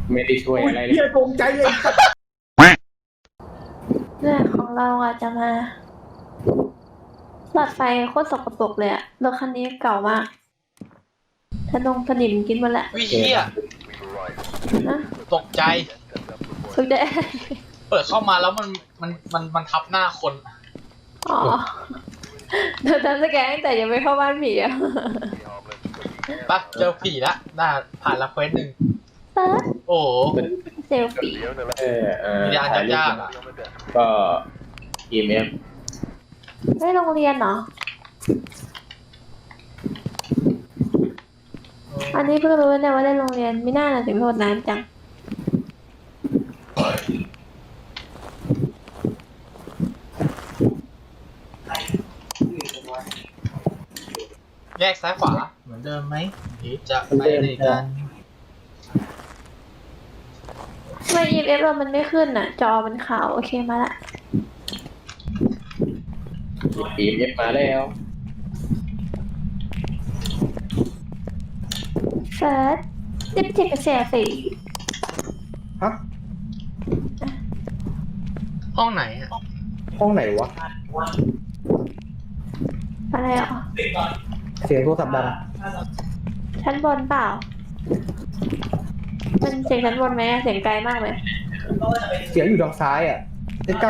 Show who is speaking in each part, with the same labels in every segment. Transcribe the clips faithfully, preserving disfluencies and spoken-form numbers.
Speaker 1: ไม่ได้ช่วยอะไรเลย
Speaker 2: เฮียตรงใจเลย
Speaker 3: เนี่ยของเราอ่ะจะมาหลอดไฟโคตรสกปรกเลยอะรถคันนี้เก่ามากถนงถนิมกินหมดแหละ
Speaker 4: วิเฮีย
Speaker 3: นะ
Speaker 4: ตกใจ
Speaker 3: สุดเด้
Speaker 4: เปิดเข้ามาแล้วมันมันมันมันทับหน้าคน
Speaker 3: อ๋อเดินตามสแกนตั้งแต่ยังไม่เข้าบ้านผีอะ
Speaker 4: ปะเจอผีละน่าผ่านละเควสหนึ่ง
Speaker 3: เปิด
Speaker 4: โอ้โห
Speaker 3: เซลฟี่
Speaker 1: เออเออ
Speaker 4: วิญญาณยากๆอ่ะ
Speaker 1: ก็ อี เอ็ม เอฟ
Speaker 3: ไม่โรงเรียนเหรออันนี้เพิ่งรู้เนี่ยว่าได้โรงเรียนไม่น่าถึงโทษน้ำจัง
Speaker 4: แยกซ้ายขวาเหมือนเดิมไหมหรือจะไปไหนกัน
Speaker 3: ทำไม อี เอ็ม เอฟ เรามันไม่ขึ้นอ่ะ จอมันขาวโอเคมาละ
Speaker 1: อี เอ็ม เอฟ มาแล้ว
Speaker 3: เฟิร์สสิบเจ็ดกับเสียสี่
Speaker 2: ฮะ
Speaker 4: ห้องไหนอ่ะ
Speaker 2: ห้องไหนวะ
Speaker 3: อะไรอ่ะ
Speaker 2: เสียงโทรศัพท์ดัง
Speaker 3: ชั้นบนเปล่า มันเสียงชั้นบนไหมเสียงไกลมากเลย
Speaker 2: เสียงอยู่ทางซ้ายอ่ะใกล้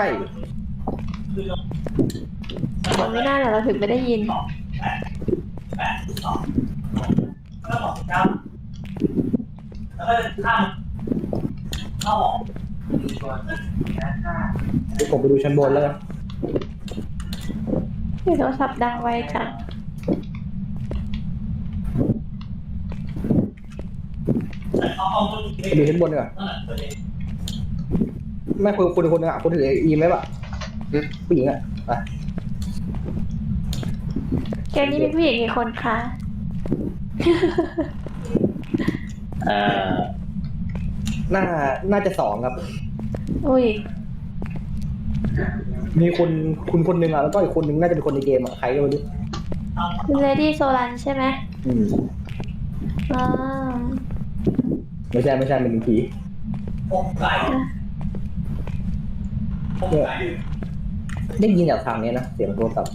Speaker 3: มันไม่น่าหรอกเราถึงไม่ได้ยิน
Speaker 2: ๆเดี๋ยวผมไปดูชั้นบนแล้วกัน
Speaker 3: โทรศัพท์ดังไวจัง
Speaker 2: ไปดูชั้นบนดีกว่าไม่คุณคุณคนนึงอ่ะคุณถืออีไหมป่ะผู้หญิงอ่ะไป
Speaker 3: แกนี่มีผู้หญิงกี่คนคะ
Speaker 1: เอ่อ
Speaker 2: น่าน่าจะสองครับ
Speaker 3: อุ้ย
Speaker 2: มีคนคุณคนหนึ่งอ่ะแล้วก็อีกคนหนึ่งน่าจะเป็นคนในเกมอ่ะใครก็ไม่รู้
Speaker 3: คุณเลดี้โซลันใช่ไหม
Speaker 2: อืม
Speaker 3: อ่า
Speaker 2: ไม่ใช่ไม่ใช่เป็นผีเนี่ยได้ยินจากทางนี้นะเสียงโทรศัพท์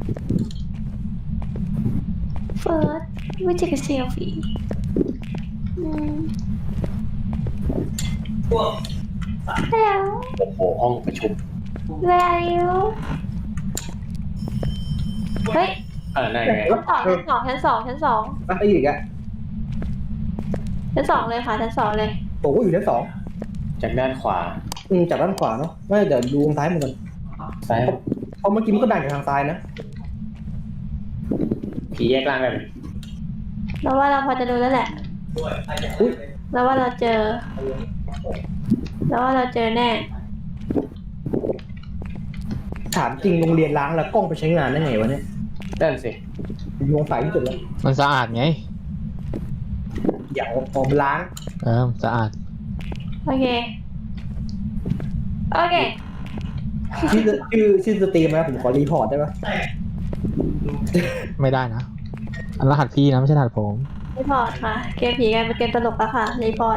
Speaker 3: เฟิร์สวิจิกเซลฟี่อืมแล้ว
Speaker 1: โอ้โหห้องประชุม
Speaker 3: แล้วเฮ้ย
Speaker 1: เออนั่นไง
Speaker 3: ชั้นสองชั้นสองชั้นสองชั้นสอง
Speaker 2: อ่ะไอ้อีกอ่ะ
Speaker 3: ชั้นสองเลยค่ะชั้นสองเลย
Speaker 2: ผมก็อยู่ชั้นสอง
Speaker 1: จากด้านขวา
Speaker 2: อืมจากด้านขวาเนาะไม่เดี๋ยวดูทางซ้ายมือก่อน
Speaker 1: ซ้าย
Speaker 2: เพราะเมื่อกี้มันก็ดังจากทางซ้ายนะ
Speaker 1: ผีแยกล่างได้ไหม
Speaker 3: เราว่าเราพอจะดูแล้วแหละ
Speaker 2: อุ้ย
Speaker 3: เราว่าเราเจอเราว่าเราเจอแน่
Speaker 2: ถามจริงโรงเรียนล้างแล้วกล้องไปใช้งานได้ไงวะเนี่ย
Speaker 1: นั่นสิ
Speaker 2: ผมสงสัยที่สุดแล้ว
Speaker 4: มันสะอาดไง
Speaker 2: อย่างออกล้าง
Speaker 4: เออสะอาด
Speaker 3: โอเคโอเค
Speaker 2: ชื่อชื่อชื่อสตรีมนะผมขอรีพอร์ตได้ปะ
Speaker 4: ไม่ได้นะ อันรหัสพี่นะไม่ใช่รหัสผม
Speaker 3: รีพอร์ตค่ะเกมผีกันเป็นเกมตลกแล้วค่ะรีพอร์ต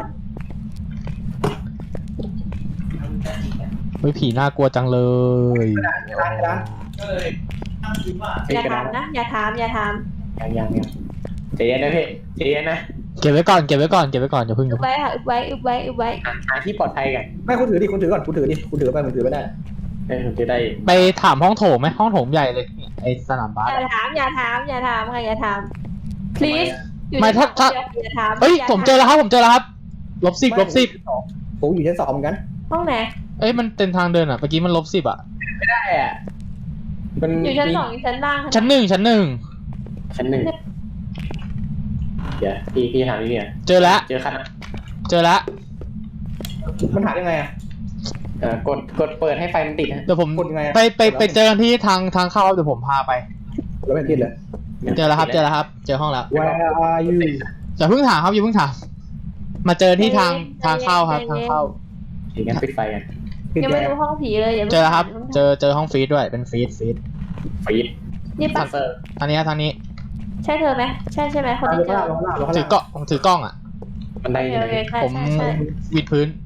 Speaker 4: เฮ้ยผีน่ากลัวจังเลย
Speaker 2: ร้านร้าน
Speaker 3: อย่าถามนะอย่าถามอย่าถาม
Speaker 1: ยังยังยังใจเย็นนะพี่ใจเย็นนะ
Speaker 4: เก็บไว้ก่อนเก็บไว้ก่อนเก็บไว้ก่อนอย่าเพิ่งอ
Speaker 3: อึ
Speaker 4: ย่า
Speaker 3: บ
Speaker 4: เพิ่ง
Speaker 3: ไว้ค่ะอึบไว้อึบไว้อึบไว้
Speaker 1: หาหาที่ปลอดภัยกัน
Speaker 2: ไม่คุณถือดิคุณถือก่อนคุณถือดิคุณถือไปผมถือไม่ได้
Speaker 1: เออผมจะได้
Speaker 4: ไปถามห้องโถงไหมห้องโถงใหญ่เลยไอสนามบาส
Speaker 3: อย่าถามอย่าถามอย่าถามค่ะอย่าถาม please อยู่
Speaker 4: ไม่ถ้าถ้า
Speaker 3: อย่าถาม
Speaker 4: เอ้ย
Speaker 3: า
Speaker 4: ผมเจอแล้วครับผมเจอแล้วครับลบสิบลบสิบ
Speaker 2: ผมอยู่ชั้นสองเหมือนกัน
Speaker 3: ห้องไหน
Speaker 4: เอ้ยมันเป็นทางเดินอ่ะเมื่อกี้มันลบสิบอ่ะ
Speaker 1: ไม่ได้อ่ะมัน
Speaker 3: อยู่ชั้นสองอยู่ชั้นล่างค่ะ
Speaker 4: ชั้นหนึ่งชั้นหนึ่ง
Speaker 1: ชั้นหนึ่งเดี๋ยวพี่พี่ถามพี่เนี่ย
Speaker 4: เจอแล้ว
Speaker 1: เจอคัน
Speaker 4: เจอแล้ว
Speaker 2: มันหายังไงอ่ะ
Speaker 1: เอ่อกดกดเปิดให้ไฟมันติดนะ
Speaker 4: เดี๋ยวผม
Speaker 2: กดยังไงอะ
Speaker 4: ไปไปไปเจอกันที่ทางทางเข้าเดี๋ยวผมพาไป
Speaker 2: แล้วไม่ติดเลย
Speaker 4: เจอแล้วครับเจอแล้วครับ เจอห้องแล้ว
Speaker 2: Where are you
Speaker 4: อย่าเพิ่งถามครับอย่าเพิ่งถามมาเจอที่ทางทางเข้าครับทางเข้า
Speaker 1: เดี๋ยวงั้นปิดไฟกัน
Speaker 2: ปิด
Speaker 3: ยัง
Speaker 2: แล้
Speaker 3: ไม่
Speaker 2: ว
Speaker 3: รู้ห้องผีเลยอย่าพิ่ง
Speaker 4: เจอแล้วครับ
Speaker 3: ถาม
Speaker 4: เจอเจอห้องฟีดด้วยเป็นฟีดฟีด
Speaker 1: ฟีด
Speaker 3: นี่
Speaker 1: ทั
Speaker 3: ปะ
Speaker 1: นเซอร์
Speaker 4: ทางนี้ครับทางนี้
Speaker 3: ใช่เธอไหมใช่ใช่ไหมคนที่เจอ
Speaker 2: ลงล่างลงล่างลง
Speaker 4: ถือ
Speaker 2: ล่าง
Speaker 4: กล้องผมถือกล้องอ่ะ
Speaker 1: มันได้
Speaker 3: โอเค
Speaker 1: ยัง
Speaker 3: โอเค
Speaker 1: ไง
Speaker 3: ใช่
Speaker 4: ผม
Speaker 3: ใช่ใช่
Speaker 4: วิดพื้น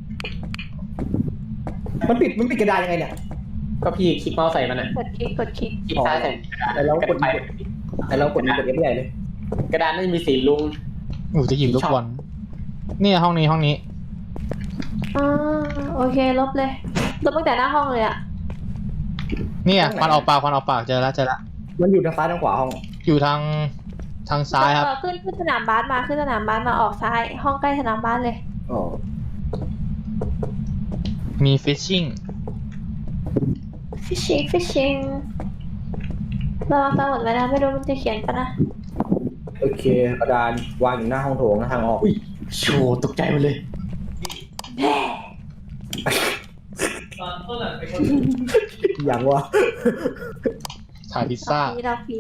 Speaker 2: มันปิดมันปิดกระดานยังไงเนี่ย
Speaker 1: ก็พี่คลิกเมาส์ใส่มันอ่ะ
Speaker 3: กดคลิกกดคลิก
Speaker 1: คลิกซ้ายใส่กระดาษ
Speaker 2: แต่เรากด
Speaker 1: ไป
Speaker 2: แต่เรากดกดเอฟใหญ่เลย
Speaker 1: กระดานไม่มีสีลุง
Speaker 4: หนูจะหยิบลูกบอลเนี่ยห้องนี้ห้องนี้
Speaker 3: อ่าโอเคลบเลยลบตั้งแต่หน้าห้องเลยอ่ะ
Speaker 4: เนี่ยควันออกปากควันออกปากเจอแล้วเจอแล้ว
Speaker 2: มันอยู่ทางซ้ายทางขวาห้อง
Speaker 4: อยู่ทางทางซ้ายครับ
Speaker 3: เออขึ้นขึ้นสนามบาสมาขึ้นสนามบาสมาออกซ้าย ห้องใกล้สนามบาสเลย
Speaker 2: อ๋อ
Speaker 4: มีฟิชชิ่ง
Speaker 3: fishing fishing เราตาหมดไว้นะไม่รู้มันจะเขียนปะนะ
Speaker 2: โอเคกระดานวางอยู่หน้าห้องโถงนะทางออก
Speaker 1: อุ้ยโชว์ตกใจหมดเลย
Speaker 3: แม่
Speaker 2: อย่างวะ
Speaker 4: ถ่ายพิซซ่า
Speaker 3: ดอกผีดอกผี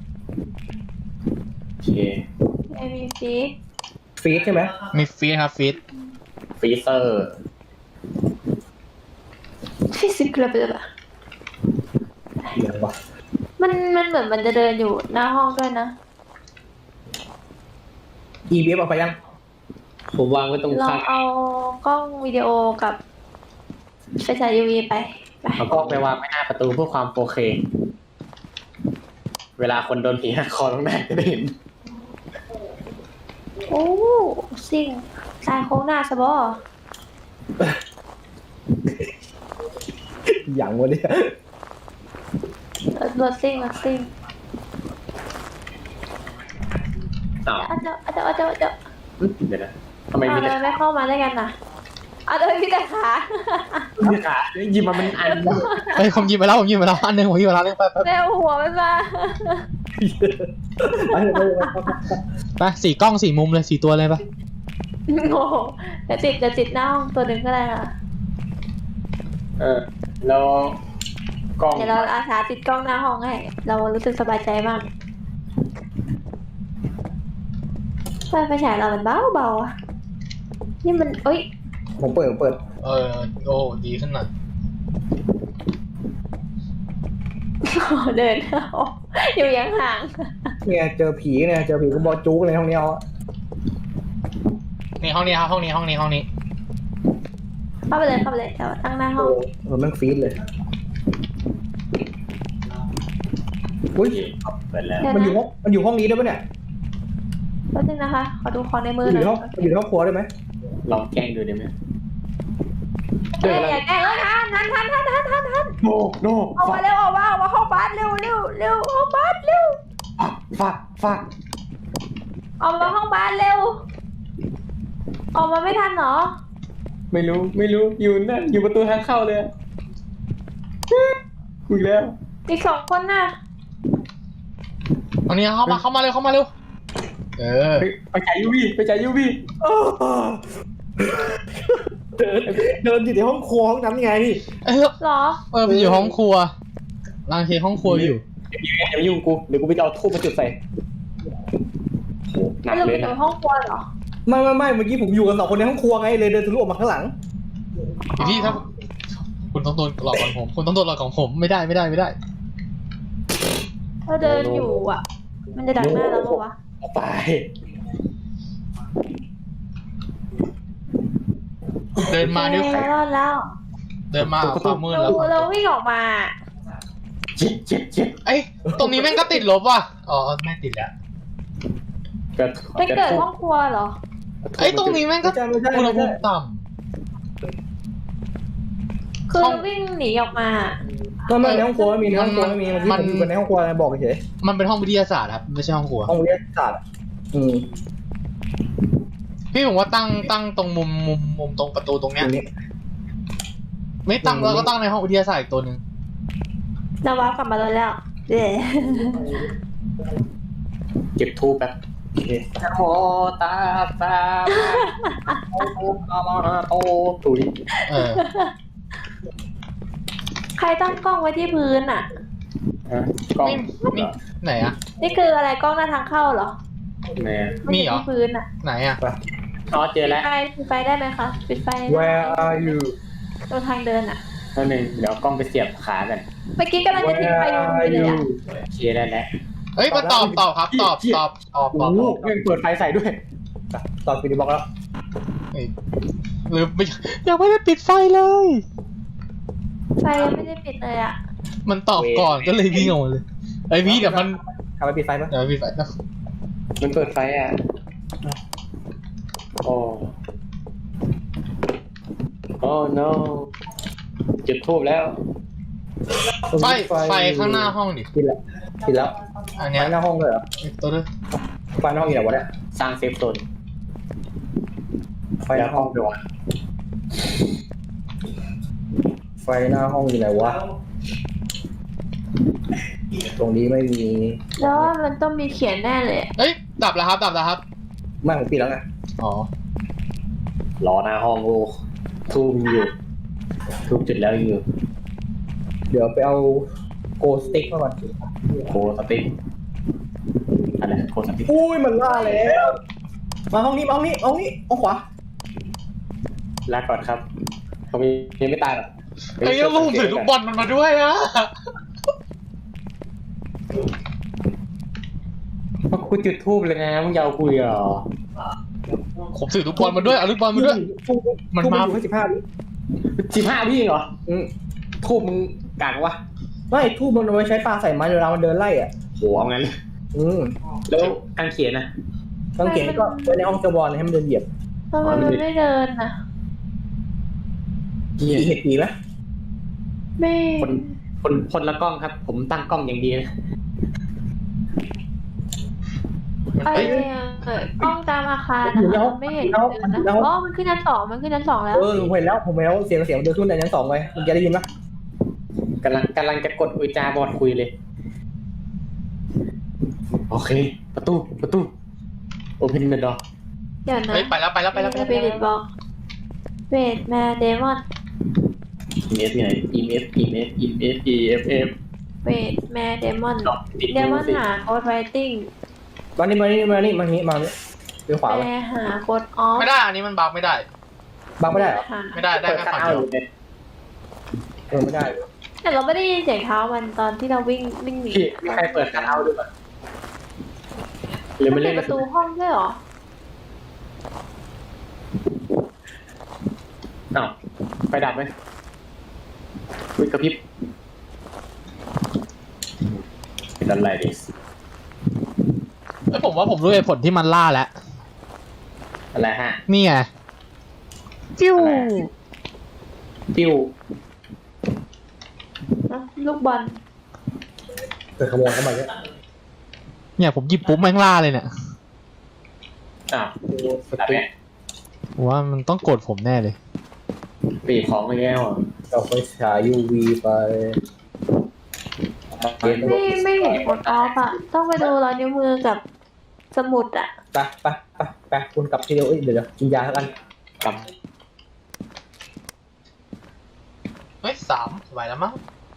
Speaker 1: โอเค
Speaker 3: ไม่มีฟี
Speaker 2: ฟีดใช่ไหม
Speaker 4: มีฟีดครับฟีด
Speaker 1: ฟรีเซอร์
Speaker 3: ฟิสิกส์เลยปะ
Speaker 2: อย่างวะ
Speaker 3: มันมันเหมือนมันจะเดินอยู่หน้าห้องด้วยนะ
Speaker 2: อีบีเอฟเอาไปยัง
Speaker 1: ผมวางไว้ตรง
Speaker 3: ลอง
Speaker 1: ข้าง
Speaker 3: เอากล้องวิดีโอกับไฟฉาย ยู วี ไปไป
Speaker 1: เอากล้องไปวางไว้หน้าประตูเพื่อความโอเค เวลาคนโดนผีหักคอต้องได้จะได้เห็น
Speaker 3: โอ้ซิ่งสายโค้งหน้าสบอ
Speaker 2: อย่างวะเนี่ย
Speaker 3: รถซิ่งรถซิ่ง
Speaker 1: อ้าว
Speaker 3: อาจจะอาจจะอาจจะอาจจะ
Speaker 1: เดี๋ยวนะทำไม
Speaker 3: เอา
Speaker 1: มี
Speaker 3: เล
Speaker 1: แต่
Speaker 3: ยไม่เข้ามาด้วยกันนะเอาเลยพี่แต่ขา
Speaker 1: มีขาหยิบมามันอันเดียว
Speaker 4: เฮ้ยผมหยิบไปแล้วผมหยิบไปแล้วอันหนึงผมหยิบไปแล้วไปไป
Speaker 3: แมวหัวมันมา
Speaker 2: ไปเลยไปเลยไปเลย
Speaker 4: ไปสี่กล้องสี่มุมเลยสี่ตัวเลยปะ
Speaker 3: โอ้โหเดี๋ยวติดเดี๋ยวติดหน้าห้องตัวหนึ่งก็ได้ค่ะ
Speaker 1: เออแล้วกล้อง
Speaker 3: เดี๋ยวเราอาสาติดกล้องหน้าห้องให้เรารู้สึกสบายใจมากไฟไฟฉายเรามันเบาเบาๆอะนี่มันเอ้ย
Speaker 2: ผมเปิดผมเปิด
Speaker 4: เออโอ้ดีขึ้นหน่อย
Speaker 3: เดินอยู่ยังห่าง
Speaker 2: เนี่ยเจอผีเนี่ยเจอผีก็บอจุกเลยห้องนี้เอาอะ
Speaker 4: นี่ห้องนี้ครับห้องนี้ห้องนี้ห้องนี้
Speaker 3: เข้าไปเลยเข้าไปเลยเดี๋ยวตั้งหน้าห้อง
Speaker 2: เออมันฟีดเลยอุ้ย
Speaker 1: เปิดแล้ว
Speaker 3: เดี๋ยว
Speaker 2: มันอยู่
Speaker 3: นะ
Speaker 2: ห้องมันอยู่ห้องนี้ได้ปะเนี่ย
Speaker 3: แป๊บนึงนะคะ ขอดูของในมื
Speaker 2: มั
Speaker 3: อน
Speaker 2: อ
Speaker 3: หน่
Speaker 2: ยู่
Speaker 3: อย
Speaker 2: ห้องมันอยู่ในห้องครัวได้ไหม
Speaker 1: ลองแกล้งดูได้ไหม
Speaker 3: เอ้ยอย่าแกล้งแล้วทันทันทันทันทันทันทัน
Speaker 1: โนโน
Speaker 3: ออก
Speaker 1: ฟั
Speaker 3: มาก เร็วออกมาออกมาห้องบาสเร็วเร็วเร็วห้องบาสเร็ว
Speaker 1: ฟักฟัก
Speaker 3: ออกมาห้องบาสเร็ว ออกมาไม่ทันเหรอ
Speaker 1: ไม่รู้ไม่รู้อยู่นั่นอยู่ประตูทางเข้าเลยอะคุยแล้ว
Speaker 3: อีกสองคนน่ะ
Speaker 4: ห้องนี้เข้ามาเข้ามาเร็วเข้ามาเร็วเออ
Speaker 1: ไปไปจ่ายยูวีไปจ่ายยูวี
Speaker 2: เดินเดินอยู่ในห้องครัวห้องนั้นไง
Speaker 4: เออ
Speaker 3: เหรอ
Speaker 4: เออไปอยู่ห้องครัวรังเทห้องครัวอยู่
Speaker 1: อย่ามายุ่งกูเดี๋ยวกูไปเอาทูบมาจุดใส่โอ้หนั
Speaker 3: ไม่
Speaker 1: ก
Speaker 3: ลง
Speaker 1: เล
Speaker 3: ไป
Speaker 1: ย
Speaker 3: อยู่
Speaker 1: นะ
Speaker 3: ห้องครัวเหรอ
Speaker 2: ไม่ไม่ไม่เมื่อกี้ผมอยู่กันสองคนในห้องครัวไงเลยเดินทะลุออกมาข้างหลัง
Speaker 4: พี่พี่ครับคุณต้องโดนหลอกของผมคุณต้องโดนหลอกของผมไม่ได้ไม่ได้ไม่ได้
Speaker 3: ถ้าเดินอยู่อ่ะ มันจะดักหน้าเราปะวะ
Speaker 1: เอาไป
Speaker 4: เดินมาด้วย
Speaker 3: โอเครอดแล้ว
Speaker 4: เดินมาความมืด
Speaker 3: เรา
Speaker 4: แล้ว
Speaker 3: เราวิ่งออกมา
Speaker 1: เจ็บเจ็บเจ็บ
Speaker 4: เอ้ยตรงนี้แม่งก็ติดลบว่ะอ๋อไม่ติดแล้ว
Speaker 1: กระ
Speaker 3: เป็นเกิดห้องครัวเหรอ
Speaker 4: เอ้ยตรงนี้แม่งก็
Speaker 2: ไม่ใช่ไม่ใช่
Speaker 4: อุณห
Speaker 2: ไม่
Speaker 4: ภู
Speaker 2: ใช่
Speaker 4: มิต่
Speaker 3: คือ
Speaker 4: ห้อง
Speaker 3: วิ่งหนีออกมา
Speaker 2: ไม่ไม่ในห้องครัวไม่มีในห้องครัวไม่มีเมื่อกี้ผมอยู่กันในห้องครัวอะไรบอกเฉย
Speaker 4: ำมันเป็นห้องวิทยาศาสตร์ครับไม่ใช่ห้องครัว
Speaker 2: ห้องวิทยาศาสตร์อะอืม
Speaker 4: พี่ผมว่าตั้งตั้งตรงมุมมุมมุมตรงประตูตรงเนี้ย
Speaker 2: ตรงนี้
Speaker 4: ไม่ตั้งแล้วก็ตั้งในห้องวิทยาศาสตร์อีกตัวหนึ่ง
Speaker 3: เราว้าวกลับมาแล้วแล้วเย้
Speaker 1: เก็บทูบแบบโอเคโมตาตาโอโอตุย
Speaker 4: เออ
Speaker 3: ใครตั้งกล้องไว้ที่พื้นอ่ะ
Speaker 1: กล้อง
Speaker 4: ไม่ไม่ไหนอะ
Speaker 3: นี่คืออะไรกล้องหน้าทางเข้าเหรอ
Speaker 1: แม่
Speaker 4: มีเหรอ
Speaker 3: ที่พื้นอ่ะ
Speaker 4: ไหนอะ
Speaker 1: อ๋อเจอแล้ว
Speaker 3: ไฟปิดไฟได้ไหมคะปิดไฟได้
Speaker 2: Where are you
Speaker 3: ตรงทางเดินอ่ะ
Speaker 1: แล้วหนึ่งเดี๋ยวกล้องไปเสียบขากัน
Speaker 3: เมื่อกี้กำลังจะทิ้งไฟอยู่เลยอ่ะ
Speaker 1: เคลียร์ได้แล้ว
Speaker 4: เฮ้ยมาตอบตอบครับตอบตอบตอบต
Speaker 1: โอ้
Speaker 4: อบ
Speaker 1: โห
Speaker 4: ตอบ
Speaker 1: ยังเปิดไฟใส่ด้วย
Speaker 2: ตอนปีดีบอกแล้ว
Speaker 4: อ้หรือไม่ยังไม่ได้ปิดไฟเลย
Speaker 3: ไฟยังไม่ได้ปิดเลยอ่ะ
Speaker 4: มันตอบก่อนก็เลยวิ่งออกมาเลยไอ้พี่เดี๋ยวมัน
Speaker 2: ทำไปปิดไฟปะ
Speaker 4: เดี๋ยวปิดไฟนะ
Speaker 1: มันเปิดไฟอ่ะโอ้โอ้ no จุดทูบแล้ว
Speaker 4: ไฟไฟข้างหน้าห้องดิ
Speaker 2: ปิดแล้วปิดแล้ว
Speaker 4: อัน
Speaker 2: ไฟ
Speaker 4: เนี้ย
Speaker 2: หน้าห้องเลยเหรอ
Speaker 4: ตัวนึง
Speaker 2: ไฟหน้าห้องอยู่ไหนวะเนี่ย
Speaker 1: สร้างเซฟโซน
Speaker 2: ไฟ
Speaker 1: ไฟ
Speaker 2: หน้าห้
Speaker 1: ห้
Speaker 2: อ
Speaker 1: อง งด้วย
Speaker 2: ไฟหน้าห้องอยู่ไหนวะตรงนี้ไม่มี
Speaker 3: แล้วว่ามันต้องมีเขียนแน่เลย
Speaker 4: เอ้ยดับแล้วครับดับแล้วครับ
Speaker 2: ไม่ผมปิดแล้วไง
Speaker 4: อ๋อ
Speaker 1: รอหน้าห้องโอ้ทูบอยู่ทูบจุดแล้วอยู่
Speaker 2: เดี๋ยวไปเอาโกสติ๊กมาก่อน
Speaker 1: โคสติ๊กอะไรโคสติ๊ก
Speaker 2: อุ้ยมันล่าแล้วมาห้องนี้มาห้องนี้ห้องนี้ห้องขวา
Speaker 1: ลาก่อนครับเขามียังไม่ตายหรอก
Speaker 4: ไอ้ยังผมถือลูกบอลมันมาด้วยอะ
Speaker 1: เพราะกูจุดทูบเลยนะมึงยาวคุยเหรอ
Speaker 4: ผมถือลูกบอลมาด้วยเอาลูกบอลมาด้วย มันมา
Speaker 2: ทูบอยู่แค่สิบห้าวิ
Speaker 1: สิบห้าพี่เหรอ
Speaker 2: อืม
Speaker 1: ทูบมึงกากวะ
Speaker 2: ไม่ทูบมันเอาไว้ใช้ปลาใส่ไม้เวลามันเดินไล่อ่ะ
Speaker 1: โหเอางั้นเลย
Speaker 2: อืม
Speaker 1: แล้วการเขียนนะ
Speaker 2: ต้องเขียนก็ไว้ในห้องเจวอนให้มันเดินเหยียบ
Speaker 3: ทำไมมันไม่เดินอ่ะ
Speaker 2: ผีเห็ดผีไหม
Speaker 3: ไม่
Speaker 1: คนคนคนละกล้องครับ ผมตั้งกล้องอย่างดีเลย
Speaker 3: อะไรอะเกิดกล้องตามอาคารนะคะไม่เห็นเดินนะอ๋อมันขึ้นชั้นสองมันขึ้นชั้นสองแล้ว
Speaker 2: เออผมเห็นแล้วผมเห็นแล้วเสียงเสียงเดินขึ้นในชั้นสองไปคุณจะได้ยินไหม
Speaker 1: กำลังกำลังจะกดอุจาบอดคุยเลย โอเค ประตูประตู open the door
Speaker 3: เดี๋ยวนะ
Speaker 4: เฮ้ยไปแล้วไปแล้วไปแล้วไป
Speaker 3: ส
Speaker 4: แล้ว
Speaker 3: ปิริตบอกเวทแมนเดมอน
Speaker 1: email ที่ไหน email email email eff
Speaker 3: เวทแมนเดมอน
Speaker 1: ดอกติด
Speaker 3: เดมอนหาโค้ดไฟติ้ง
Speaker 2: มานี่มานี่มานี่มานี่มานี่เดี๋ยวขวา
Speaker 3: แป
Speaker 2: ไป
Speaker 3: ลหาโค้ดออฟ
Speaker 4: ไม่ได้อันนี้มันบักไม่ได้
Speaker 2: บังไม่ได้เหรอ
Speaker 3: หา
Speaker 4: ไม่ได้ได้
Speaker 1: เปิด
Speaker 4: แค่
Speaker 1: คัท
Speaker 4: ฝั่ง
Speaker 1: เอา
Speaker 4: เดียว
Speaker 1: ท์เลย
Speaker 2: เออไม่ได้
Speaker 3: แต่เราไม่ได้ยินเสียงเท้ามันตอนที่เราวิ่งวิ่งหนี
Speaker 1: พี่มีใครเปิดคัทเอาท์ด้วยป่ะหรือไม่
Speaker 3: มัน
Speaker 1: เล่
Speaker 3: ปิ
Speaker 1: น
Speaker 3: ดประตูห้องด้วยเหรอ
Speaker 1: อ้าวไฟดับไหมคุยกระพริบเป็นอะไรดิ
Speaker 4: เอ้ยผมว่าผมรู้เหตุผลที่มันล่าแล้ว
Speaker 1: อะไรฮะ
Speaker 4: นี่ไงจิ้ว
Speaker 1: อะไร ติ้ว
Speaker 3: นะลูกบอล
Speaker 2: เกิดขโมยเข้ามาเนี่ย
Speaker 4: เนี่ยผมหยิบปุ๊บแม่งล่าเลยเนี่ย
Speaker 1: อ้าว
Speaker 2: ส
Speaker 1: ดับ
Speaker 2: ติ๊
Speaker 1: เนี่
Speaker 2: ก
Speaker 1: ย
Speaker 4: ผมว่ามันต้องโกรธผมแน่เลย
Speaker 1: ปีบของไปแล้วอ่ะ
Speaker 2: เอาไปฉาย ยู วี ไป
Speaker 3: ไม่ไม่เห็นโค้ดออฟอะต้องไปดูรอยนิ้วมือกับสมุดอะ
Speaker 2: ไปไปไปไปคุณกลับทีเดียวเอ้ยเดี๋ยวเดี๋ยวกินยาแล้วกัน
Speaker 1: กลับ
Speaker 4: เฮ้ยสามสบายแล้วมั้ง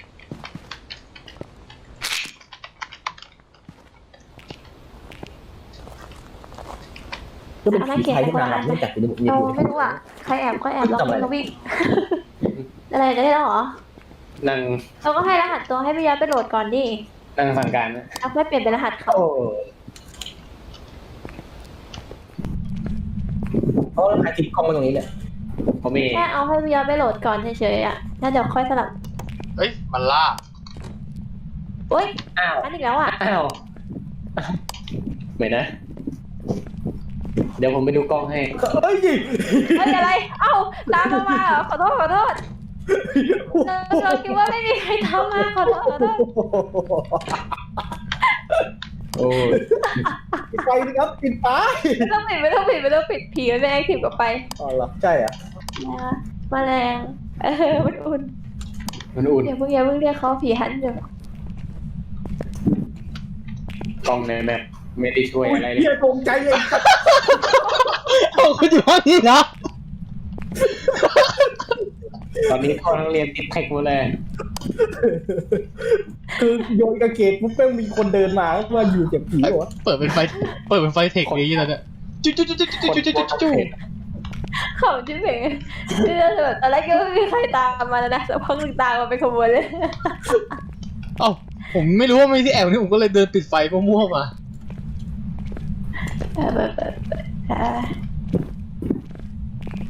Speaker 2: ก็เป็นผีไทยที่นานหลังไม่จัดอยู่ในบุก
Speaker 3: เรา
Speaker 2: อยู่
Speaker 3: ไม่รู้อะใครแอบก็แอบเราวิ่งก็วิ่ง อะไรจะได้แล้วเหรอ
Speaker 1: นั่ง
Speaker 3: เราก็ให้รหัสตัวให้พี่ยอดไปโหลดก่อนดิ
Speaker 1: นั่งสั่งการนะ
Speaker 3: เอาไม่เปลี่ยนเป็นรหัสเขา
Speaker 2: โอ้เขาแล้วใครทิปกล้องมาตรงนี้เนี่ย
Speaker 1: ผมมี
Speaker 3: แค่เอาให้พี่ยอดไปโหลดก่อนเฉยๆอะแล้วเดี๋ยวค่อยสลับ
Speaker 4: เฮ้ยมันล่า
Speaker 3: โอ๊ย
Speaker 1: อ้าว
Speaker 3: อันอีกแล้วอะ
Speaker 1: อ้าวเหมือนนะ เดี๋ยวผมไปดูกล้องให้
Speaker 2: เฮ้ย
Speaker 3: เฮ้ยอะไร เอ้าตามเรามาเหรอขอโทษขอโทษเราเราคิดว่าไม่มีใครตามมาขอโทษขอโทษ
Speaker 1: โอ้ย
Speaker 2: ปิดไฟสิครับปิดไฟ
Speaker 3: ไม่ต้องปิดไม่ต้องปิดไม่ต้องปิดผีมันไม่แอคทีฟกับไป
Speaker 2: อ๋อเหรอใช่เหรอ่ะ
Speaker 3: นะแมลงเออมันอุ่น
Speaker 1: มันอุ่น
Speaker 3: เดี๋ยวเพิ่งอย่าเพิ่งเรียกเขาผีหันเดี๋ยว
Speaker 1: กล้องในแมปไม่ได้ช่วยอะไรเล
Speaker 2: เฮีย
Speaker 1: ย
Speaker 2: ตรงใจเลย
Speaker 4: เอาคุณอยู่ห้องนี้นะ
Speaker 1: ตอนนี้พ่อทั้งเรียนติดแท็กหมดเลย
Speaker 2: คือโยนกระเกตปุ๊บแม่งมีคนเดินมาก็มาอยู่เจ็บผีเหรอ
Speaker 4: เปิดเป็นไฟเปิดเป็นไฟเทคนี้แล้วเนี่ยจุ๊จุ๊จุ๊จุ๊จุ๊จุ๊จุ๊จุ๊จุ๊
Speaker 3: เขาจิ้มเพ่งที่เราแบบตอนแรกก็ไม่มีใครตามมาแล้วนะสักพักหนึ่งตามมาเป็นขบวนเลย
Speaker 4: เอ้าผมไม่รู้ว่ามีที่แอบนี่ผมก็เลยเดินปิดไฟมั่วๆมา
Speaker 3: เออเปิดเปิดเปิดเออ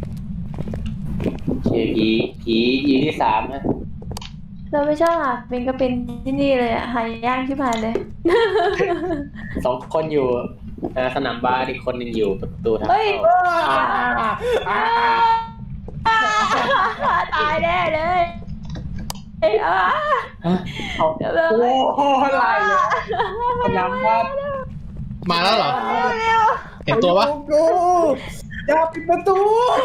Speaker 1: เคผีผีอีที่สามฮะ
Speaker 3: เราไม่ชอบหาเป็นก็เป็นที่นี่เลยอะหายยากชิบหายเลย
Speaker 1: สองคนอยู่เอ่อสนามบาสอีกคนหนึ่งอยู่ประตูทาง
Speaker 3: เฮ้ย
Speaker 1: เข้า
Speaker 2: อ่า
Speaker 3: ตายแน่เลยเอ้ยอ่ะ
Speaker 1: เขา
Speaker 3: เดี๋ยวเลย
Speaker 2: โอ้โหอะไรเลยสนามบาส
Speaker 4: มาแล้วเหรอ
Speaker 3: เร็ว
Speaker 4: เห็นตัวปะ
Speaker 2: กูอย่าปิดประตู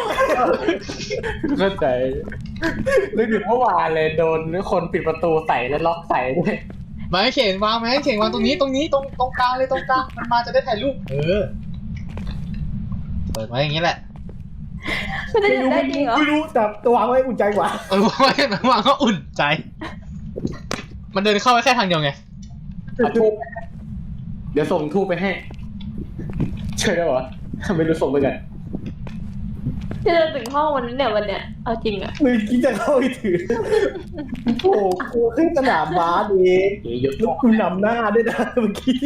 Speaker 1: เข้าใจนึกถึงเมื่อวานเลยโดนคนปิดประตูใส่แล้วล็อกใส่ด้วย
Speaker 4: มาให้เข็นวางไหมให้เข็นวางตรงนี้ตรงนี้ตรงตรงกลางเลยตรงกลางมันมาจะได้ถ่ายรูปเออเปิดไว้อย่างนี้แหละ
Speaker 3: มันจะ
Speaker 2: ไม่
Speaker 3: อยู่
Speaker 2: รู้
Speaker 3: ได้จริงเหรอ
Speaker 2: ไม่รู้แต่ตัววางไว้อุ่นใจกว่า
Speaker 4: เออวางไว้วางก็อุ่นใจ มันเดินเข้าไปแค่ทางเดียวไง
Speaker 1: เอาทูบเดี๋ยวส่งทูบไปให้เชื่อได้ปะไม่รู้ส่งไปกัน
Speaker 3: จะเดินถึงห้องวันนี้เนี่ยวันเนี้ยเอาจริงอะ
Speaker 2: มือกี้จะเข้าไปถือโอ้โหกูขึ้นสนามบาสเอง
Speaker 1: เดี๋ยวยก
Speaker 2: แล้วกูนำหน้าด้วยนะเมื่อกี้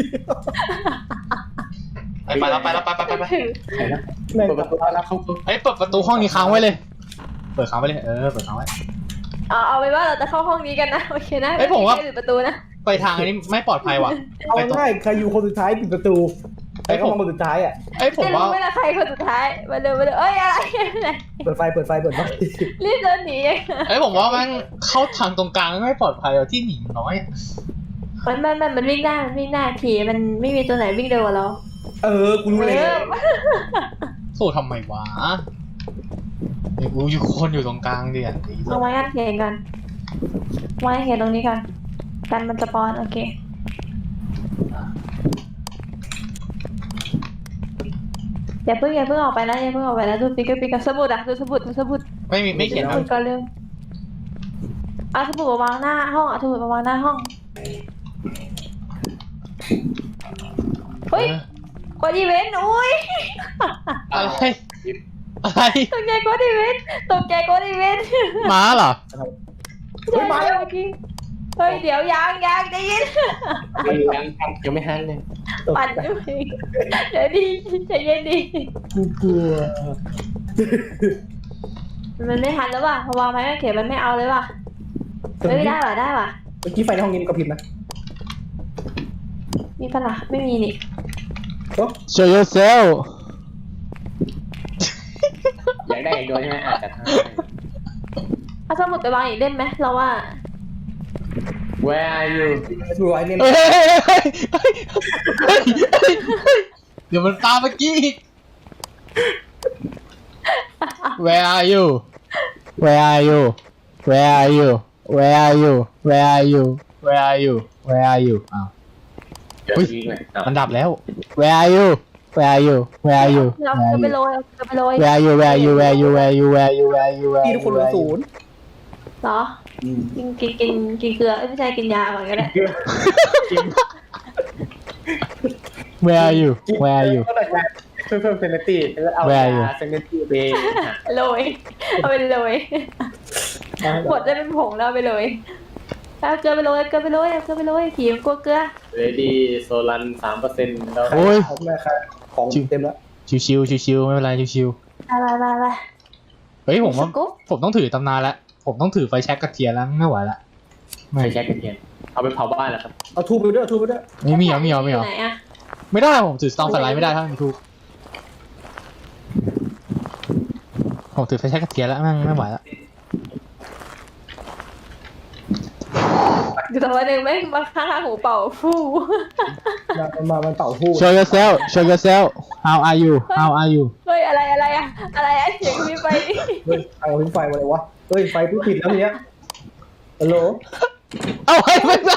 Speaker 4: ไปไปแล้วไปแล้วไปไปไปไป
Speaker 3: ถึง
Speaker 1: ใครนะ
Speaker 2: แม่ง
Speaker 1: เปิดประตูแล้วเข้า
Speaker 4: เฮ้ยเปิดประตูห้องนี้ค้างไว้เลย เปิดค้างไว้เลยเออเปิดค้างไว้
Speaker 3: เอาเอาไปว่าเราจะเข้าห้องนี้กันนะโอเคนะ
Speaker 4: เอ้ยผมว่า
Speaker 3: ไปิดประตูนะ
Speaker 4: ไปทางอันนี้ไม่ปลอดภัยว่ะ
Speaker 2: เอา
Speaker 4: ไปตรง
Speaker 2: ง่ายใครอยู่คนสุดท้ายปิดประตูใครเข้ามาคนสุดท้ายอ่ะ
Speaker 4: เอ้ยผม
Speaker 3: จะ
Speaker 4: ว่า
Speaker 3: รู้ไหมล่ะใครคนสุดท้ายมาเร็วมาเร็วเอ้ยอะไรอะไร
Speaker 2: เปิดไฟเปิดไฟเปิดไฟ
Speaker 3: รีบเดินหนี
Speaker 4: เอ้ยผมว่ามันเข้าทางตรงกลางไม่ปลอดภัยอะที่หนีน้อยอะ
Speaker 3: มันมันมันมันวิ่งได้มันวิ่งได้ผีมันไม่มีตัวไหนวิ่งเร็วกว่าเรา
Speaker 2: เออกูรู้เลย
Speaker 3: เออ
Speaker 4: สู้ทำไมวะไอ้กูอยู่คนอยู่ตรงกลางเดียน
Speaker 3: เอาไว้กันเขียนกันไว้เขียนตรงนี้กันกันมันสปอนโอเคอย่าเพิ่งอย่าเพิ่งออกไปนะอย่าเพิ่งออกไปนะดูปิกปิกสมุดอะดูสมุดดูสมุด
Speaker 4: ไม่มีไม่เขียน
Speaker 3: ส
Speaker 4: นะ
Speaker 3: มุดก่อนเร็วเอาสมุดมาวางหน้าห้องเอาสมุดมาวางหน้าห้องเฮ้ย
Speaker 4: เออก
Speaker 3: ดอีเวนต์อุ้ย
Speaker 4: อะไรอะไร
Speaker 3: ตกใจกดอีเวนต์ตกใจกดอีเวนต์
Speaker 4: ม้าเหรอ
Speaker 2: เฮ้ยมาแล้ว
Speaker 3: เมื่อกี้เฮ้ยเดี๋ยวยางยางได้ยิน
Speaker 1: ยังยังยังไม่ฮันเลย
Speaker 3: ปั่นอยู่เดี๋ยวดีใจเย็นดี
Speaker 2: กูกลัว
Speaker 3: มันไม่ทันแล้วว่ะเพราะวางไม้กางเขนมันไม่เอาเลยว่ะเฮ้ยได้ว่ะได้ว่ะ
Speaker 2: เมื่อกี้ไฟในห้องนี้มันกระพริบนะ
Speaker 3: มีปะล่ะไม่มีนี่
Speaker 4: Show yourself
Speaker 1: อยากได้อีกโดยใช่ไหมอาจจะให้
Speaker 3: เอาสมุดไปวางอีกเล่มไหมเราว่า
Speaker 1: Where are you
Speaker 2: ดูไอ้เนี่ย
Speaker 4: เฮ้ยเฮ้ยเฮ้ยเฮ้ยเฮ้ยเฮ้ยเดี๋ยวมันตามเมื่อกี้อีก Where are you Where are you Where are you Where are you Where are you Where are you Where are you อ้าว
Speaker 1: เดี๋ยว
Speaker 4: อุ๊ย
Speaker 1: ทิ้งเลยอ่ะ
Speaker 4: มันดับแล้ว Where are you Where are you Where are you
Speaker 3: เรา
Speaker 4: Where
Speaker 3: จะ
Speaker 4: are
Speaker 3: ไป
Speaker 4: you
Speaker 3: โรยเราจะไปโรย
Speaker 4: Where are you Where are you Where are you Where are you Where are you Where are you Where
Speaker 2: พี่
Speaker 4: are
Speaker 2: ทุกคนเหลือ
Speaker 4: you
Speaker 2: ศูนย์
Speaker 3: เหรอกินกินกินกินเกลือเอ้ยไม่ใช่กินยาก่อนก็ได้
Speaker 4: Where are you Where are you
Speaker 1: ก็เลยเพิ่มเพิ่มเซนตี้แล้วเอา
Speaker 4: Where are you
Speaker 1: ยาเซนตี้ไป
Speaker 3: โรยเอาไปโรยหมดได้เป็นผงแล้วเอาไปโรยเอาเกลือไปโรยเกลือไปโรยเอาเกลือไปโรยผีมันกลัวเกลือ
Speaker 1: เรดี้โซลันสามเปอร์เซ็นต์แล้ว
Speaker 4: โอ้ย
Speaker 2: ผมแม่ครับของเต็มแล้ว
Speaker 4: ชิวๆชิวๆไม่เป็นไรชิว
Speaker 3: ไปไปไปไป
Speaker 4: ๆเฮ้ยผมว่า
Speaker 3: สกู๊ป
Speaker 4: ผมต้องถือตำนานแล้วผมต้องถือไฟแช็กกระเทียมแล้วไม่ไหวละ
Speaker 1: ไม่ใช่กระเทียมเอาไปเผาบ้านแล้วครับ
Speaker 2: เอาทูบไปด้วยเอาทูบไปด้วย
Speaker 4: ไม่มีเหรอไม่มีเหรอไม่มีเหรอ
Speaker 3: ไหนอะ
Speaker 4: ไม่ได้ผมถือสตองไฟไลท์ไม่ได้ถ้ามีทูบผมถือไฟแช็กกระเทียมแล้วไม่ไม่ไหวละ
Speaker 3: อยู่ตรงวันหนึ่งแม่งมาข้างๆหูเป่าฟู่
Speaker 2: มามามันเป่าทูบ
Speaker 4: Show yourself Show yourself How are you How are you
Speaker 3: เฮ้ยอะไรอะไรอะอะไรอะเสียงมีไฟ
Speaker 2: เฮ้ยเอาทิ้งไฟมาเลยวะเฮ้ยไฟผู้ผิดแล้วเนี้ยฮัลโหล
Speaker 4: เอาไว้ไม่ได้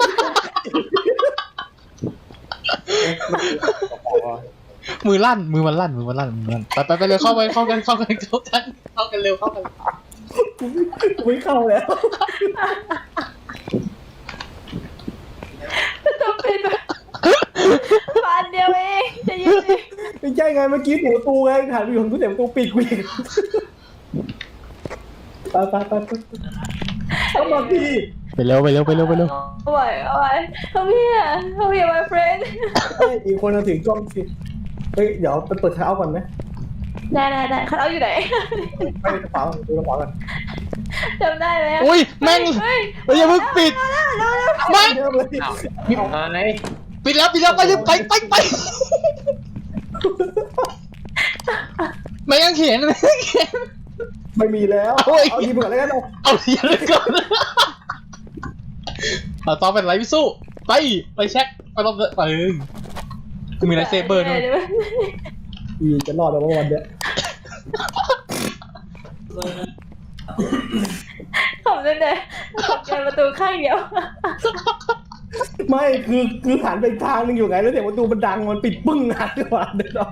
Speaker 4: มือลั่นมือมันลั่นมือมันลั่นมือมันลั่นไปไปไปเร็วเข้าไปเข้ากันเข้ากันเข้ากันเข้ากันเร็วเข้ากัน
Speaker 2: กูไม่เข้าแล้ว
Speaker 3: ต้องเป็นแบบบานเดียวเองจะยืนดิ
Speaker 2: ไม่ใช่ไงเมื่อกี้หัวตูไงหันไปอยู่ของตู้เต็มตู้ปิดกูอีกไปไปไปไปเข้ามาพี่
Speaker 4: ไปเร็วไปเร็วไปเร็วไปเร็ว
Speaker 3: เอาไว้เอาไว้เขาพี่อะเขาพี่ my friend
Speaker 2: เฮ้ยอีกคนเอาถือกล้องสิเฮ้ยเดี๋ยวไปเปิดเท้าก่อนไหม
Speaker 3: ได้ได้ได้เขาเอาอยู่ไหน
Speaker 2: ไปกระเป๋าดูกระเป๋ากัน
Speaker 3: จำได้ไหม
Speaker 4: อุ้ยแม่ง
Speaker 3: เฮ้ย
Speaker 4: เฮ้ยอย่าเพิ่งปิดไม่
Speaker 2: เยอะเลย
Speaker 1: เอาไง
Speaker 4: ปิดแล้วปิดแล้วไปเลยไปไปไปไม่ยังเขียนไม่ยังเขียน
Speaker 2: ไม่มีแล้ว
Speaker 4: โอ้ย
Speaker 2: เอาดีเผื่อแล้วกันเอา
Speaker 4: เอาเขียนเลยก่อนเราต้องเป็นไรพี่สู้ไปไปเช็คไปต้องไปกูมีไลท์เซเบอร์ด้วย
Speaker 2: อีจะรอดแล้ววันเนี้ย
Speaker 3: ขำเลยเนี่ยเปิดประตูข้างเดียว
Speaker 2: ไม่คือคือหันไปอีกทางหนึงอยู่ไงแล้วเสียงประตูมันดังมันปิดปึ้งหักดีกว่าเดี๋ยวเรา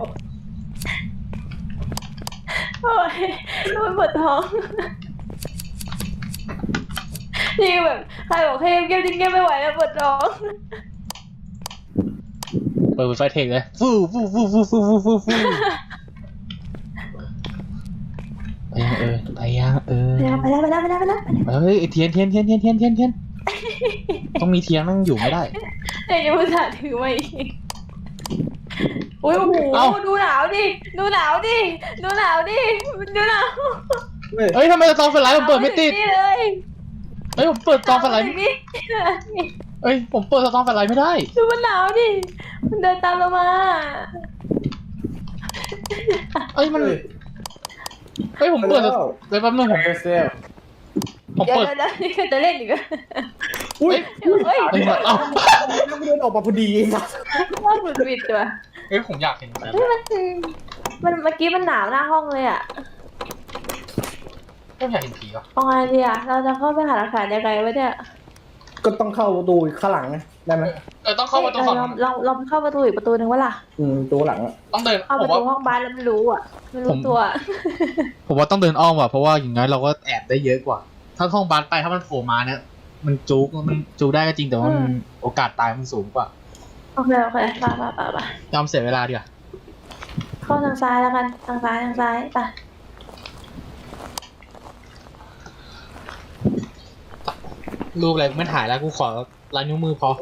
Speaker 3: โอ้ยมันปวดท้องนี่แบบใครบอกให้เงียบๆจริงเงียบไม่ไหวแล้วปวดท้อง
Speaker 4: เปิดไฟเทคเลยฟูฟูฟูฟูฟูฟูฟูฟูไปยังเออไปยังเออ
Speaker 3: ไปแล้วไปแล้วไปแล้วไปแล้วไปแล้ว
Speaker 4: เฮ้ยเทียนเทียนเทียนเทียนเทียนเทียนเทียนต้องมีเทียนนั่งอยู่ไม่ได้
Speaker 3: เดี๋ยวยังอุตส่าห์ถือมาอีกอุ้ยโอ้โห
Speaker 4: เอ้า
Speaker 3: ดูหนาวดิดูหนาวดิดูหนาวดิดูหนาว
Speaker 2: เฮ้ย
Speaker 4: เฮ้ยทำไมซองไฟไลท์ผมเปิดไม่ติด
Speaker 3: นี่เลย
Speaker 4: เฮ้ยผมเปิดซองไฟไลท์
Speaker 3: นี่
Speaker 4: เฮ้ยผมเปิดซองไฟไลท์ไม่ได้
Speaker 3: ดูมันหนาวดิมันเดินตามเรามา
Speaker 4: เอ้ยมัน
Speaker 2: เฮ้ย
Speaker 4: เฮ้ยผมเปิด
Speaker 2: แล้ว
Speaker 4: เดี๋ยวแป๊บนึงผม
Speaker 1: เอเซล
Speaker 4: ผม
Speaker 3: เดี๋ยว
Speaker 4: เปิด
Speaker 3: เดี๋ยวเดี๋ยวจะเล่นอีกเหรอ
Speaker 2: อุ้ย
Speaker 3: เฮ้ย
Speaker 4: เฮ้ยเอ้า
Speaker 2: แล้วเดินออกมาพอดีนะ
Speaker 3: ว่าหลุดบิดตัว
Speaker 4: เฮ้ยผมอยากเห็นแบบ
Speaker 3: เฮ้ยมันมันเมื่อกี้มันหนาวหน้าห้องเลยอ่ะ
Speaker 4: ผมอยากเห็นผีอ่ะ
Speaker 3: เอาไงดีอ่ะเราจะเข้าไปหาหลักฐานยังไงวะเนี่ย
Speaker 2: ก็ต้องเข้าประตูข้างหลังไงได้ไหม
Speaker 4: เออต้องเข้าประตูฝั่ง
Speaker 3: เราเราเราเข้าประตูอีกประตูหนึ่งวะล่ะ
Speaker 2: อืมตัวหลังอะ
Speaker 4: ต้องเดิน
Speaker 3: เข้า
Speaker 4: ผ
Speaker 3: ป
Speaker 4: ม
Speaker 3: ระตู
Speaker 4: ว่า
Speaker 3: ห้องบ้านแล้วไม่รู้อ่ะไม่รู้
Speaker 4: ผม
Speaker 3: ตัว
Speaker 4: ผมว่าต้องเดินอ้อมว่ะเพราะว่าอย่างน้อยเราก็แอบได้เยอะกว่า ถ้าห้องบานไปถ้ามันโผล่มาเนี่ยมันจุกมันจุกได้ก็จริงแต่ว่ามันโอกาสตายมันสูงกว่า
Speaker 3: โอเคโอเคไปไปไปไป
Speaker 4: ยอมเสียเวลาดีกว่า
Speaker 3: เข้าทางซ้ายแล้วกันทางซ้ายทางซ้ายไป
Speaker 4: รูปอะไรไม่ถ่ายแล้วกูขอลายนิ้วมือพอ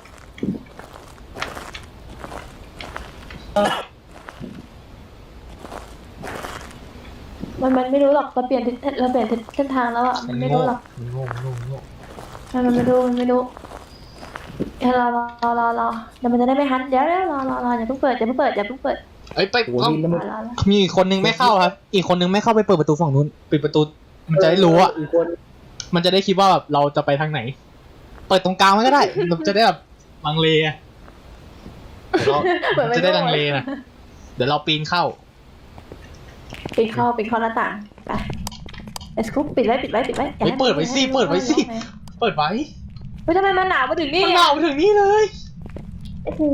Speaker 3: มันมันไม่รู้หรอกเราเปลี่ยนทิศเราเปลี่ยนทิศเส้นทางแล้วอ่ะมันไม่รู้หรอก
Speaker 4: มันโง่มันโง่มันโง่
Speaker 3: มันมันไม่รู้มันไม่รู้เดี๋ยวรอรอรอรอรอเดี๋ยวมันจะได้ไม่ฮันเดี๋ยวเดี๋ยวรอรอรออย่าเพิ่งเปิดอย่าเพิ่งเปิดอย่าเพิ่งเปิด
Speaker 4: เอ้ยไป
Speaker 2: โอ้โห
Speaker 4: ต้อง
Speaker 2: นี่แล้ว
Speaker 3: ร
Speaker 2: มั
Speaker 3: อน รอรอ
Speaker 4: มีอีกคนนึงไม่เข้าครับ อีกคนนึงไม่เข้าไปเปิดประตูฝั่งนู้นปิดประตูมันจะได้รู้อ่ะ
Speaker 2: อีกคน
Speaker 4: มันจะได้คิดว่าแบบเราจะไปทางไหน เปิดตรงกลางไว้ก็ได้ เราจะได้แบบลังเลอะเดี๋ยวเราจะได้ลังเลนะเดี๋ยวเราปีนเข้า
Speaker 3: ปิดเข้าปิดเข้าหน้าต่างไปเอสคุปปิดไว้ปิดไว้ปิดไว้
Speaker 4: เฮ้ยเปิดไว้สิเปิดไว้สิ เปิดไว้
Speaker 3: เฮ้ยทำไมมันหนาวมาถึงนี่
Speaker 4: มันหนาวไปถึงนี่เลย
Speaker 3: โอ้โห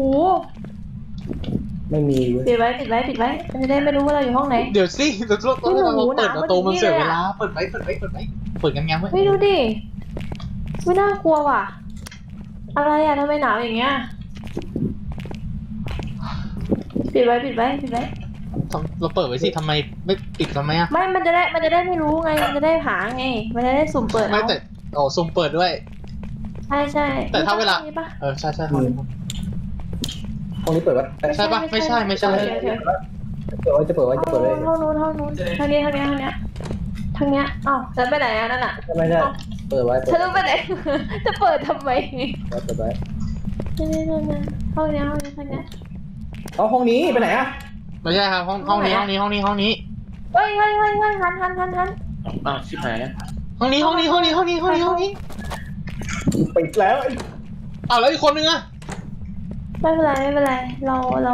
Speaker 2: ไม่มีเว้ย
Speaker 3: ปิดไว้ปิดไว้ปิดไว้มันจะได้ไม่รู้ว่าเราอยู่ห้องไหน
Speaker 4: เดี๋ยวสิเดี๋ยวเรา
Speaker 3: โอ้โห
Speaker 4: เราเปิดประตู
Speaker 3: หนาว
Speaker 4: มันเสียเว
Speaker 3: มาถึงนี่เลย
Speaker 4: ลา
Speaker 3: อะ
Speaker 4: เปิดไว้เปิดไว้เปิดไว้เปิดกันงั้นไว้
Speaker 3: ไม่ดูดิไม่น่ากลัวว่ะ อะไรอ่ะทำไมหนาวอย่างเงี้ยปิดไว้ปิดไว้ปิดไว้
Speaker 4: เราเปิดไว้สิทำไมไม่ปิดทำไมอ่ะ
Speaker 3: ไม่มันจะได้มันจะได้ไม่รู้ไงมันจะได้หาไงมันจะได้สุ่มเปิด
Speaker 4: ไม่
Speaker 3: เอา
Speaker 4: แต่โอ้ซุ่มเปิดด้วย
Speaker 3: ใช่ใช่
Speaker 4: แต่ถ้าเวลา
Speaker 3: มีปะ
Speaker 4: เออใช่ใช่ห้องนี้
Speaker 2: ห้องนี้เปิดไว้
Speaker 4: ใช่ปะไม่ใช่ไม่ใช่
Speaker 3: โอเคโอเค
Speaker 2: เปิดไว้จะเปิดไว้จะเปิดไว้
Speaker 3: ห้องนู้นห้องนู้นทางนี้ทางนี้ทางนี้ทางเนี้ยอ้าวฉันไปไหนอ่ะนั่นอ่ะ
Speaker 2: ไม่ใช่เปิดไว้เปิด
Speaker 3: ฉันต้องไปไหน จะเปิดทำไม
Speaker 2: ไว้เปิดไว้
Speaker 3: นี่นี่นี่นี่ห้องเนี้ยห้องนี้ทางเนี้ย
Speaker 2: เอาห้องนี้ไปไหนอะ
Speaker 4: ไม่ใช่ครับห้องห้องนี้ห้องนี้ห้องนี้ห้องนี้
Speaker 3: เฮ้ยเฮ้ยเฮ้ยเฮ้ยหันหันหันหัน
Speaker 1: อ้าวชิบหายแล้ว
Speaker 4: ห้องนี้ห้องนี้ห้องนี้ห้องนี้ห้องนี้ห้องนี้
Speaker 2: ปิดแล้ว
Speaker 4: อ้าวแล้วอีกคนนึงอะ
Speaker 3: ไม่เป็นไรไม่เป็นไรเราเรา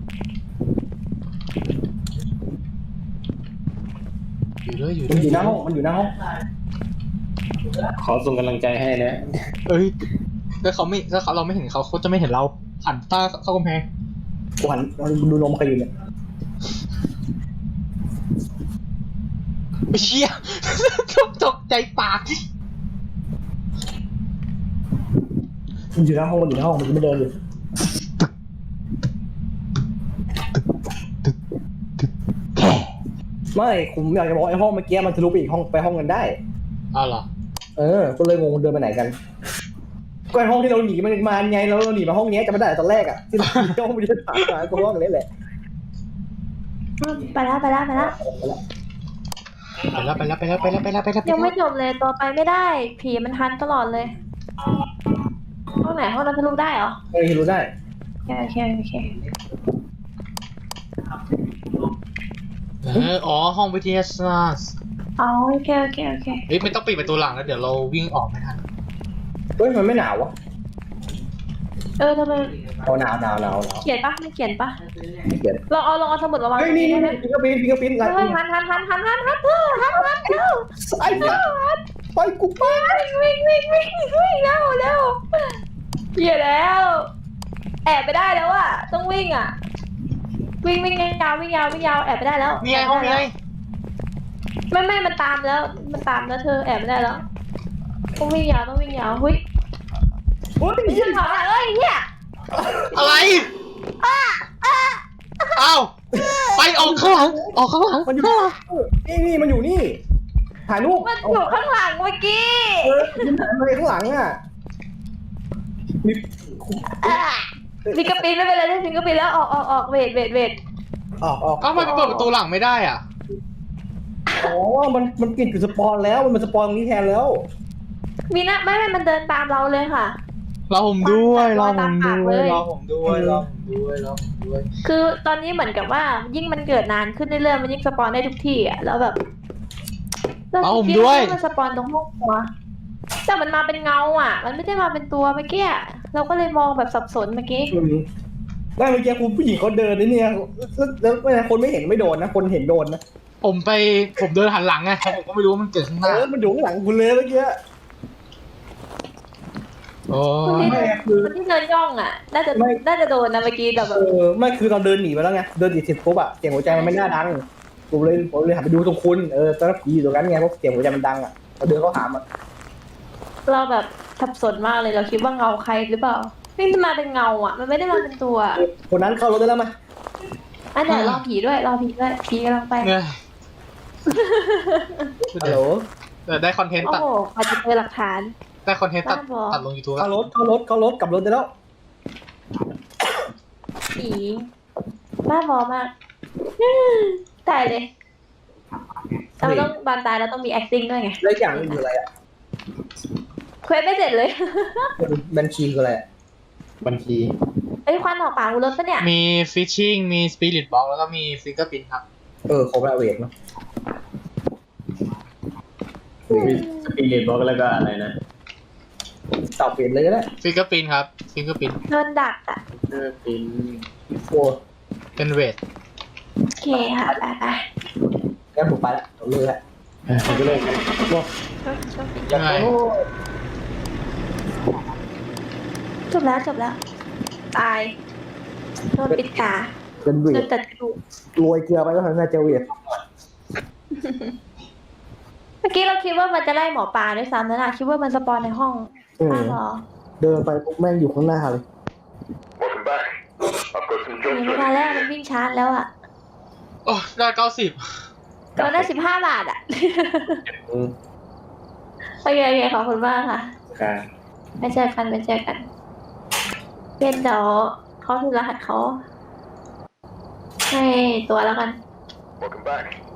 Speaker 4: อยู่ด้วยอยู่ด้
Speaker 2: มั
Speaker 4: วน ย
Speaker 2: อยู่หน้าห้องมันอยู่หน้าห้อง
Speaker 1: ขอส่งกำลังใจให้นะ
Speaker 4: เอ้ยถ้าเขาไม่ถ้าเขาเราไม่เห็นเขาเขาจะไม่เห็นเราหันตาเข้ากำแพง
Speaker 2: กูหันดูนมใครอยู่เนี่ย
Speaker 4: ไปเชี่ย ตกใจปาก
Speaker 2: มันอยู่หน้าห้องมันอยู่หน้าห้องมันไม่เดินอยู่ไม่ผมอยากจะบอกไอ้ห้องเมื่อกี้มันทะลุไปอีกห้องไปห้องกันได้
Speaker 4: อ้าวเหรอ
Speaker 2: เออก็เลยงงเดินไปไหนกันก็ไอ้ห้องที่เราหนีมันมาไงเราเราหนีมาห้องนี้จะไม่ได้ตอนแรกอ่ะที่เราหนีห้องมันจะผ่านมาก็ห้องนี้แหละ
Speaker 3: ไปแล้วไปแล้วไปแล้ว
Speaker 4: ไปแล้วไปแล้วไปแล้วไปแล้วไปแล้วไปแล้ว
Speaker 3: ยังไม่จบเลยตัวไปไม่ได้ ผีมันทันตลอดเลยห้องไหนห้องนั้นทะลุได้เหรอ
Speaker 2: เฮ้ยรู้ได้
Speaker 3: โอเคโอเคโอเค
Speaker 4: เอออ๋อห้องวิทยาศาสตร์
Speaker 3: เอาโอเคโอเคโอเค
Speaker 4: เฮ้ยไม่ต้องปิดประตูหลังแล้วเดี๋ยวเราวิ่งออกไม่ทัน
Speaker 2: เฮ้ยมันไม่หนาววะ
Speaker 3: เออทำไม
Speaker 2: เอาหนาวหนาวหนาวหนาว
Speaker 3: เขียนปะไม่เขียนปะ
Speaker 2: เขียน
Speaker 3: ลองเอาลองเอาสมุดมาวาง
Speaker 2: เฮ้ย
Speaker 3: ตรง
Speaker 2: นี่
Speaker 3: นี้
Speaker 2: นี่
Speaker 3: ได้ไหม
Speaker 2: ฟิงเกอร์ปิ้นฟิงเกอร์ปิ้น
Speaker 3: เฮ้ยหันหันหันหันหันหันเธอหันหันเร็ว
Speaker 2: ไอ้เนี่ยไปกูไป
Speaker 3: วิ่งวิ่งวิ่งวิ่งเร็วเร็วเขียนแล้ว แอบไปได้แล้วอะต้องวิ่งอะวิ่งวิ่งยาววิ่งยาววิ่งยาวแอบไปได้แล้ว
Speaker 4: นี่ไงห้องนี้ไง
Speaker 3: ไม่ไม่มันตามแล้ว มันตามแล้วเธอแอบไม่ได้แล้วต้องวิ่งยาวต้องวิ่งยาวเฮ้ย
Speaker 2: โอ้ย
Speaker 3: เชื่อเขาเอ้ยเนี่ย
Speaker 4: อะไรเอ้าไปออกข้างหลังออกข้างหลัง
Speaker 2: มันอยู่นี่นี่มันอยู่นี่ถ่ายรูป
Speaker 3: มันอยู่ข้างหลังเมื่อกี้
Speaker 2: เออมันถ่ายมาข้างหลังอ่ะมี
Speaker 3: อ่ะฟิงเกอร์ปิ้นไม่เป็นไรได้ฟิงเกอร์ปิ้นแล้วออกออกออกเวทเวทเวท
Speaker 2: ออกออก
Speaker 4: เอ้าทำไมไปเปิดประตูหลังไม่ได้อ่ะ
Speaker 2: อ๋อมันมันกินอยู่สปอนแล้วมันเป็นสปอนตรงนี้แทนแล้ว
Speaker 3: มีนะไม่ไม่มันเดินตามเราเลยค่ะ
Speaker 4: เราผมด้วยเราผม
Speaker 3: ตามปาก
Speaker 4: ด้
Speaker 3: เล
Speaker 4: วย
Speaker 3: ย
Speaker 4: เราผมด้วยเราผมด้วยเราผมด้วย
Speaker 3: คือตอนนี้เหมือนกับว่ายิ่งมันเกิดนานขึ้นเรื่อยๆมันยิ่งสปอนได้ทุกที่อ่ะแล้วแบบเราคิดว่ามันสปอนตรงห้องครัวแต่มันมาเป็นเงาอ่ะ มันไม่ได้มาเป็นตัวเมื่อกี้เราก็เลยมองแบบสับสนเมื่อกี้
Speaker 2: ได้เมื่อกี้คุณผู้หญิงเขาเดินนี่เนี่ยแล้วแล้วแล้วคนไม่เห็นไม่โดนนะคนเห็นโดนนะ
Speaker 4: ผมไปผมเดินหันหลังไงผมก็ไม่รู้ว่ามันเกิดข้างห
Speaker 2: เอ
Speaker 4: น้า
Speaker 2: อมันอยู่ข้างหลังคุณเลยเมื่อกี้
Speaker 4: โอ้
Speaker 3: คนที่
Speaker 2: ไม่คือ
Speaker 3: คนที่เดินย่องอ่ะ น่าจะ
Speaker 2: ไม่
Speaker 3: น่าจะโดนนะเมื่อกี้แต่แบ
Speaker 2: เอบ อไม่คือเราเดินหนีไปแล้วไงเดินหนีเสร็จปุ๊บอะเสียงหัวใจมันไม่น่าดังผมเลยผมเลยหันไปดูตรงคุณเออตอนนั้นผีอยู่ตรงนั้นไงเพราะเสียงหัวใจมันดังอะเราเดินเข้าหามัน
Speaker 3: เราแบบสับสนมากเลยเราคิดว่าเงาใครหรือเปล่านี่มันมาเป็นเงาอ่ะ มันไม่ได้มาเป็นตัว
Speaker 2: คนนั้นเข้ารถได้แล้วมั้ย
Speaker 3: อันเดี๋ยวรอผีด้วยรอผีด้วยผีกำลังไป
Speaker 4: เนี่ย
Speaker 2: ฮัลโหล
Speaker 4: เดี๋ยวได้คอนเทนต์
Speaker 3: โอ้
Speaker 4: ตัด
Speaker 3: โหอาจจะเจอหลักฐาน
Speaker 4: ได้คอนเทนต์ตัด
Speaker 3: บ้าบอ
Speaker 4: ตัดลงยูทูบ
Speaker 2: เข้ารถเข้ารถเข้ารถกลับรถได้แล้ว
Speaker 3: ผีบ้าบอมากตายเลยเราต้องบานตายเราต้องมี acting ด้วยไง
Speaker 2: แล้วอย่างนึงคืออะไรอะ
Speaker 3: เควสไม่เสร็จเลย
Speaker 2: บัญชีคืออะไรอะบัญชี
Speaker 3: ไอ้ยควันออกปากกูรถปะเนี่ย
Speaker 4: มีฟิชชิ่งมีสปิริตบ็อกแล้วก็มีฟิงเกอร์พินครับ
Speaker 2: เออครบแล้วเวทเนาะ
Speaker 1: มีสปีริตบอกแล้วก็อะไรนะ
Speaker 2: ตอบเปลี่ยนเลยก็ได้
Speaker 4: ฟิงเกอร์พินครับฟิงเกอร์พิน
Speaker 3: โดนดักอ่ะ
Speaker 1: เออเป็น
Speaker 2: โอ้
Speaker 4: เป็นเวท
Speaker 3: โอเคค่ะไปไป
Speaker 2: งั้นผมไปละผมเลยละ
Speaker 1: เออผมก็เลย
Speaker 2: โอ้
Speaker 3: โชคดีโชคดี
Speaker 4: ยังไง
Speaker 3: จบแล้วจบแล้ว ตายโดนปิดตา
Speaker 2: เป็นเว
Speaker 3: โด
Speaker 2: ท
Speaker 3: นตัดกระดูก
Speaker 2: โรยเกลือไปก็ทำให้เจอเวท
Speaker 3: เมื่อกี้เราคิดว่ามันจะไล่หมอปลาด้วยซ้ำนะน่ะคิดว่ามันสปอนในห้อง
Speaker 2: อืม
Speaker 3: อ้าวเหรอ
Speaker 2: เดินไปปุ๊บแม่งอยู่ข้างหน้าเลย
Speaker 5: Welcome back. I've got some
Speaker 3: หนี
Speaker 5: jobs
Speaker 3: ไม่
Speaker 5: ready.
Speaker 3: ทันแล้วมันวิ่งชาร์จแล้วอ่ะ
Speaker 4: โอ้ได้เก้าสิบ
Speaker 3: โดนได้สิบห้าบาทอ่ะ
Speaker 2: อืม
Speaker 3: โอเคโอเคขอบคุณมากค่ะ
Speaker 1: การ
Speaker 3: ไปเจอกันไปเจอกันเป็นเดี๋ยวเขาคือรหัสเขาให้ตัวแล้วกัน
Speaker 5: Welcome back.